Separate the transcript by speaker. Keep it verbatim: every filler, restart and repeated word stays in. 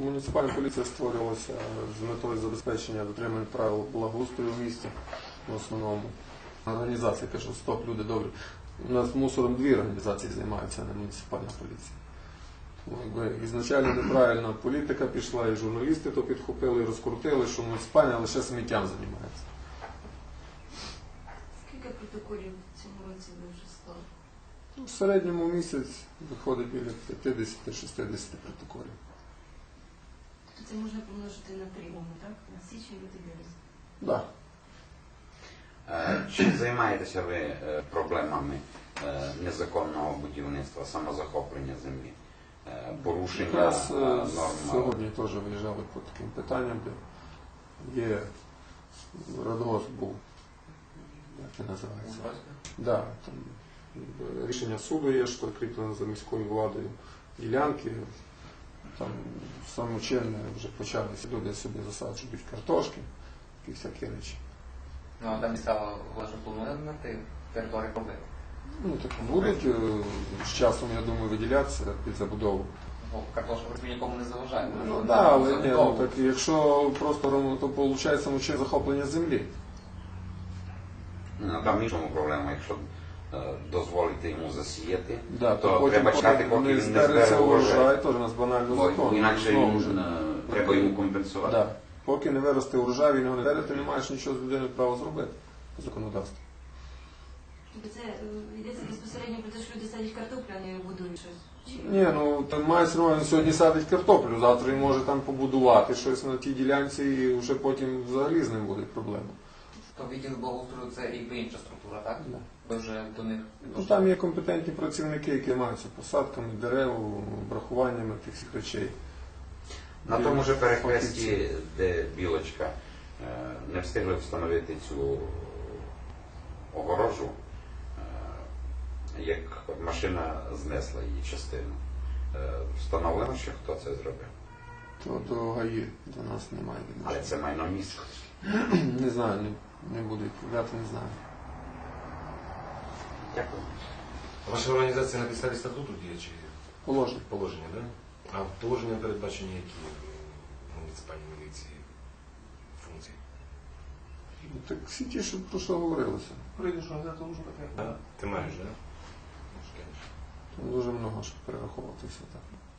Speaker 1: Муніципальна поліція створювалася з метою забезпечення дотримання правил благоустрою в місті в основному. Організація каже, стоп, люди добрі. У нас мусором дві організації займаються, а не муніципальна поліція. Якби ізначально неправильна політика пішла, і журналісти то підхопили, і розкрутили, що муніципальна лише сміттям займається.
Speaker 2: Скільки протоколів в цьому році ви вже склали?
Speaker 1: Ну, в середньому в місяць виходить біля п'ятдесят-шістдесят протоколів.
Speaker 2: Це можна помножити на три, так? На січень, лютий, березень.
Speaker 1: Так.
Speaker 3: Да. Чи займаєтеся ви проблемами незаконного будівництва, самозахоплення землі, порушення
Speaker 1: Якраз
Speaker 3: норм?
Speaker 1: сьогодні теж виїжджали по таким питанням, де є радгосп був, як він називається? Да, там рішення суду є, що кріплено за міською владою ділянки. Там самочинне вже почалися, люди собі засаджують картошки, такі всякі речі.
Speaker 4: Ну, а там місцева влада планує на території проблеми?
Speaker 1: Ну, так будуть з часом, я думаю, виділятися під забудову.
Speaker 4: Ну, картошка вроді нікому не заважає.
Speaker 1: Ну, так, да, але ні, ну, так, якщо просто, то виходить самочинне захоплення землі.
Speaker 3: Ну, там іншому проблема, якщо дозволити йому засіяти,
Speaker 1: Да,
Speaker 3: то,
Speaker 1: то потім,
Speaker 3: треба чекати, поки
Speaker 1: не
Speaker 3: він не
Speaker 1: збереться
Speaker 3: збере урожай.
Speaker 1: урожай, теж у нас банально
Speaker 3: Бо
Speaker 1: закон.
Speaker 3: інакше
Speaker 1: Знову
Speaker 3: він,
Speaker 1: ж.
Speaker 3: е, треба йому компенсувати.
Speaker 1: Да. Поки не виросте урожай, він його не бере, ти не маєш нічого з людиною права зробити по законодавству.
Speaker 2: Тобто це е, йдеться безпосередньо про те, що люди садять картоплю, а не будують щось? Чи...
Speaker 1: Ні, ну там має все одно, він сьогодні садить картоплю, завтра він може там побудувати щось на тій ділянці і вже потім взагалі з ним будуть проблеми.
Speaker 4: То відділ благоустрою це якби інша структура, так?
Speaker 1: Да.
Speaker 4: Ви вже до них...
Speaker 1: Ну, там є компетентні працівники, які займаються посадками дерев, обрахуваннями тих всіх речей.
Speaker 3: На тому ж перехресті, де білочка, не встигли встановити цю огорожу, як машина знесла її частину. Встановлено, що хто це зробив?
Speaker 1: То до ГАІ до нас немає відношення.
Speaker 3: Але це майно міста.
Speaker 1: Не знаю, не, не буду відповідати, не знаю.
Speaker 3: Дякую.
Speaker 5: Ваша організація на підставі статуту діє чи
Speaker 1: Положення.
Speaker 5: положення, так? Да? А в положення передбачені які в муніципальній міліції функції?
Speaker 1: Ну, так всі ті, що про що говорилося.
Speaker 5: Прийдеш організацію вже таке? Да. Ти маєш, так? Да?
Speaker 1: Там дуже много, щоб перераховувати все так.